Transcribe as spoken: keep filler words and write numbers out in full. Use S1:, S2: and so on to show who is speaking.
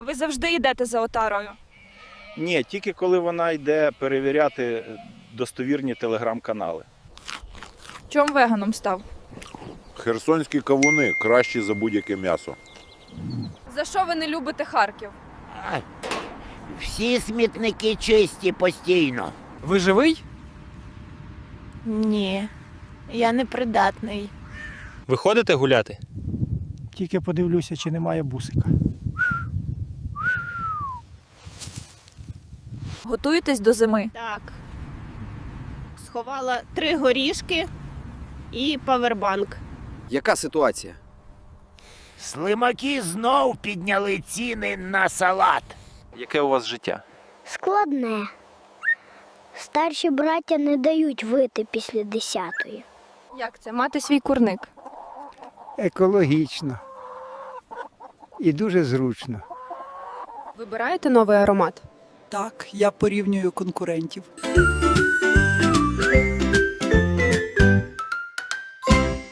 S1: Ви завжди йдете за отарою?
S2: Ні, тільки коли вона йде перевіряти достовірні телеграм-канали.
S1: Чому веганом став?
S3: Херсонські кавуни кращі за будь-яке м'ясо.
S1: За що ви не любите Харків?
S4: Всі смітники чисті постійно.
S5: Ви живий?
S6: Ні, я непридатний.
S5: Ви ходите гуляти?
S7: Тільки подивлюся, чи немає бусика.
S1: Готуєтесь до зими?
S6: Так. Сховала три горішки і павербанк.
S8: Яка ситуація?
S4: Слимаки знов підняли ціни на салат.
S2: Яке у вас життя?
S9: Складне. Старші браття не дають вийти після десятої.
S1: Як це? Мати свій курник?
S7: Екологічно. І дуже зручно.
S6: Вибираєте новий аромат?
S10: Так, я порівнюю конкурентів.